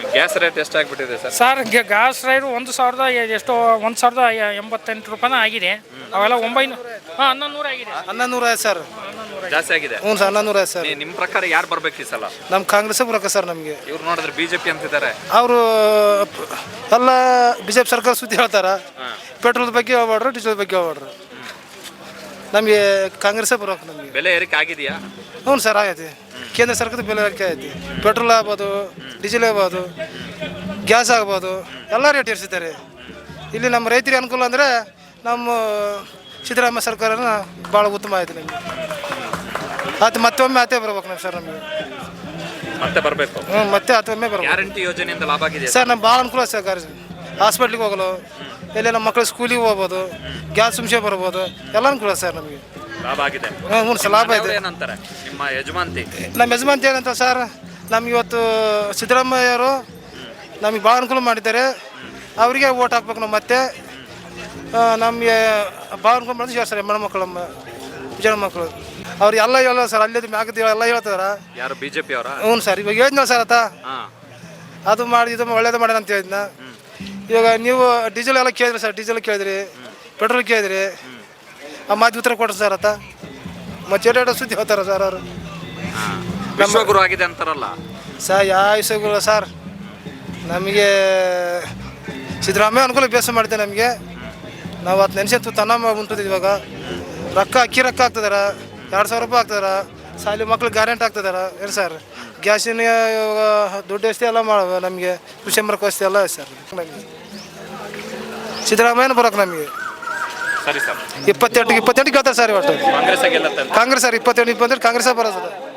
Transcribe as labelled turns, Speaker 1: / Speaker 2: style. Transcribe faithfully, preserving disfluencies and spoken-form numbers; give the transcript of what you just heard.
Speaker 1: Gas rate ಎಷ್ಟಾಗ್ಬಿಟ್ಟಿದೆ sir?
Speaker 2: Sir gas rate ಒಂದು ಸಾವಿರದ ಎಷ್ಟೋ ಒಂದು ಸಾವಿರದ ಎಂಬತ್ತೆಂಟು ರೂಪಾಯಿನ ಆಗಿದೆ. ಅವೆಲ್ಲ ಒಂಬೈನೂರು ಹಾಂ ಹನ್ನೊಂದು ನೂರು ಆಗಿದೆ.
Speaker 3: ಹನ್ನೊಂದು ನೂರ ಐದು ಸರ್
Speaker 1: ಜಾಸ್ತಿ ಆಗಿದೆ.
Speaker 3: ಹ್ಞೂ ಸರ್ ಹನ್ನೊಂದು ನೂರ ಐದು ಸರ್.
Speaker 1: ನಿಮ್ಮ ಪ್ರಕಾರ ಯಾರು ಬರ್ಬೇಕು ಈ ಸಲ?
Speaker 3: ನಮ್ಮ ಕಾಂಗ್ರೆಸ್ ಬರೋಕೆ ಸರ್. ನಮಗೆ
Speaker 1: ಇವ್ರು ನೋಡಿದ್ರೆ ಬಿಜೆಪಿ ಅಂತಿದ್ದಾರೆ.
Speaker 3: ಅವರು ಎಲ್ಲ ಬಿ ಜೆ ಪಿ ಸರ್ಕಾರ ಸುದ್ದಿ ಹೇಳ್ತಾರೆ. ಪೆಟ್ರೋಲ್ ಬಗ್ಗೆ ಹೇಳ್ಬಾಡ್ರು, ಡೀಸೆಲ್ ಬಗ್ಗೆ ಹೇಳ್ಬಾಡ್ರು. ನಮಗೆ ಕಾಂಗ್ರೆಸ್ಸೇ ಬರೋಕೆ. ನಮಗೆ
Speaker 1: ಬೆಲೆ ಏರಿಕೆ ಆಗಿದೆಯಾ?
Speaker 3: ಹ್ಞೂ ಸರ್ ಆಗೈತಿ. ಕೇಂದ್ರ ಸರ್ಕಾರದ ಬೆಲೆ ಏರಿಕೆ ಐತಿ. ಪೆಟ್ರೋಲ್ ಆಗ್ಬೋದು, ಡೀಸೆಲ್ ಆಗ್ಬೋದು, ಗ್ಯಾಸ್ ಆಗ್ಬೋದು, ಎಲ್ಲ ರೇಟ್ ಏರಿಸಿದ್ದಾರೆ. ಇಲ್ಲಿ ನಮ್ಮ ರೈತರಿಗೆ ಅನುಕೂಲ ಅಂದರೆ ನಮ್ಮ ಸಿದ್ದರಾಮಯ್ಯ ಸರ್ಕಾರನ ಭಾಳ ಉತ್ತಮ ಆಯ್ತು ನಮಗೆ. ಅದು ಮತ್ತೊಮ್ಮೆ ಆತೇ ಬರ್ಬೇಕು ನಮ್ಮ ಸರ್. ನಮಗೆ
Speaker 1: ಮತ್ತೆ ಬರಬೇಕು.
Speaker 3: ಹ್ಞೂ ಮತ್ತೆ ಮತ್ತೊಮ್ಮೆ ಬರ್ಬೇಕು.
Speaker 1: ಗ್ಯಾರಂಟಿ ಯೋಜನೆಯಿಂದ ಲಾಭ ಆಗಿದೆ
Speaker 3: ಸರ್. ನಮ್ಗೆ ಭಾಳ ಅನುಕೂಲ ಸರ್. ಗಾಡಿ ಹಾಸ್ಪಿಟ್ಲಿಗೆ ಹೋಗಲು, ಎಲ್ಲಿ ನಮ್ಮ ಮಕ್ಕಳು ಸ್ಕೂಲಿಗೆ ಹೋಗ್ಬೋದು, ಗ್ಯಾಸ್ ಸುಮ್ಸೆ ಬರ್ಬೋದು, ಎಲ್ಲ ಅನುಕೂಲ ಸರ್ ನಮಗೆ.
Speaker 1: ಲಾಭ ಆಗಿದೆ.
Speaker 3: ಹ್ಞೂ ಹ್ಞೂ ಸರ್ ಲಾಭ ಇದೆ.
Speaker 1: ಏನಂತಾರೆ ನಿಮ್ಮ ಯಜಮಾಂತಿ?
Speaker 3: ನಮ್ಮ ಯಜಮಾಂತಿ ಏನಂತ ಸರ್, ನಮ್ಗೆ ಇವತ್ತು ಸಿದ್ದರಾಮಯ್ಯವರು ನಮಗೆ ಭಾಳ ಅನುಕೂಲ ಮಾಡಿದ್ದಾರೆ. ಅವರಿಗೆ ಓಟ್ ಹಾಕ್ಬೇಕು ನಾವು. ಮತ್ತೆ ನಮಗೆ ಭಾಳ ಅನುಕೂಲ ಮಾಡಿದ್ರೆ ಸರ್ ಹೆಣ್ಮಕ್ಳು, ನಮ್ಮ ಜನ ಮಕ್ಕಳು ಅವ್ರು ಎಲ್ಲ ಹೇಳೋ ಸರ್. ಅಲ್ಲೇ ಮ್ಯಾಗದ ಎಲ್ಲ ಹೇಳ್ತಾರ.
Speaker 1: ಯಾರು ಬಿಜೆಪಿ ಅವರ?
Speaker 3: ಹ್ಞೂ ಸರ್. ಇವಾಗ ಹೇಳಿದ್ನಲ್ಲ ಸರ್ ಆತ, ಅದು ಮಾಡಿ ಇದು ಒಳ್ಳೇದು ಮಾಡ್ಯಾನ ಅಂತ ಹೇಳಿದ್ನ. ಇವಾಗ ನೀವು ಡೀಸೆಲ್ ಎಲ್ಲ ಕೇಳಿದ್ರಿ ಸರ್, ಡೀಸೆಲ್ ಕೇಳಿದ್ರಿ, ಪೆಟ್ರೋಲ್ ಕೇಳಿದ್ರಿ, ಆ ಮಾತು ಉತ್ತರ ಕೊಡ್ರಿ ಸರ್ ಆತ. ಮತ್ತೆ ಎರಡು ಸುದ್ದಿ ಹೇಳ್ತಾರ ಸರ್ ಅವರು.
Speaker 1: ವಿಶ್ವಗುರು ಆಗಿದೆ ಅಂತಾರಲ್ಲ
Speaker 3: ಸರ್. ಯಾವ ವಿಷಯಗಳು ಸರ್, ನಮಗೆ ಸಿದ್ದರಾಮಯ್ಯ ಅನುಕೂಲ ಬೇಸ ಮಾಡಿದೆ ನಮಗೆ. ನಾವು ಅದು ನೆನೆಸಿ ತನ್ನ ಉಂಟಿದ್ವಿ. ಇವಾಗ ರೊಕ್ಕ ಅಕ್ಕಿ ರೊಕ್ಕ ಆಗ್ತದಾರ, ಎರಡು ಸಾವಿರ ರೂಪಾಯಿ ಆಗ್ತದಾರ. ಸಾಲಿ ಮಕ್ಳಿಗೆ ಗ್ಯಾರಂಟಿ ಆಗ್ತದಾರ ಏನು ಸರ್. ಗ್ಯಾಸಿನ ದುಡ್ಡು ವ್ಯವಸ್ಥೆ ಎಲ್ಲ ಮಾಡುವ ನಮಗೆ. ಕೃಷಿ ಮರಕ ವ್ಯವಸ್ಥೆ ಎಲ್ಲ ಸರ್. ನಮಗೆ ಸಿದ್ದರಾಮಯ್ಯನ ಬರೋಕೆ ನಮಗೆ.
Speaker 1: ಸರಿ ಸರ್.
Speaker 3: ಇಪ್ಪತ್ತೆಂಟು ಇಪ್ಪತ್ತೆಂಟು ಕೇಳ್ತಾರೆ ಸರ್. ಇವತ್ತು
Speaker 1: ಕಾಂಗ್ರೆಸ್
Speaker 3: ಕಾಂಗ್ರೆಸ್ ಸರ್. ಇಪ್ಪತ್ತೆಂಟು ಇಪ್ಪತ್ತೆಂಟು ಕಾಂಗ್ರೆಸ್ ಬರೋದು.